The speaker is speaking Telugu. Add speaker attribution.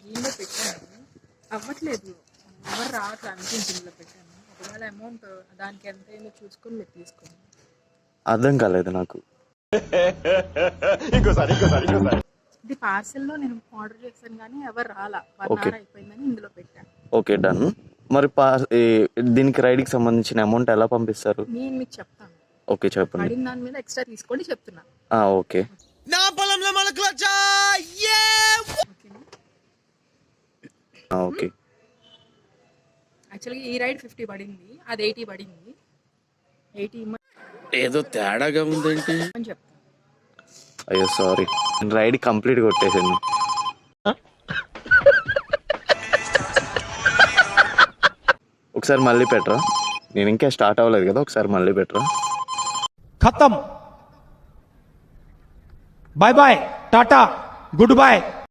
Speaker 1: దీనిలో పెట్టాను, అవ్వట్లేదు, ఎవరు రావట్లేదు అందుకే దీనిలో పెట్టాను. ఒకవేళ అమౌంట్ దానికి ఎంత అయిందో చూసుకొని మీరు తీసుకోండి.
Speaker 2: అర్థం కాలేదు నాకు.
Speaker 1: ఇది పార్సెల్లో నేను ఆర్డర్ చేశాను కానీ ఎవరు రాలా, 1
Speaker 2: ఓకే.
Speaker 1: అవర్ అయిపోయిందని ఇందులో పెట్టాను.
Speaker 2: Okay, done. మరి దీనికి రైడ్కి సంబంధించిన అమౌంట్ ఎలా పంపిస్తారు?
Speaker 1: నేను మీకు చెప్తాను,
Speaker 2: ఓకే, చెప్పండి.
Speaker 1: అడిగిన దాని మీద ఎక్స్ట్రా తీసుకోండి చెప్తున్నా.
Speaker 2: ఓకే.
Speaker 1: ఓకేనా?
Speaker 2: ఓకే.
Speaker 1: యాక్చువల్గా ఈ రైడ్ 50 పడింది, అది 80 పడింది. 80
Speaker 3: ఏదో తేడాగా ఉందేంటి
Speaker 1: అని చెప్తాను.
Speaker 2: అయ్యో సారీ, రైడ్ కంప్లీట్ కొట్టేసాను. ఒకసారి మళ్ళీ పెట్టరా, నేను ఇంకా స్టార్ట్ అవ్వలేదు కదా, ఒకసారి మళ్ళీ పెట్టరా.
Speaker 4: खत्म, bye bye, tata, good bye.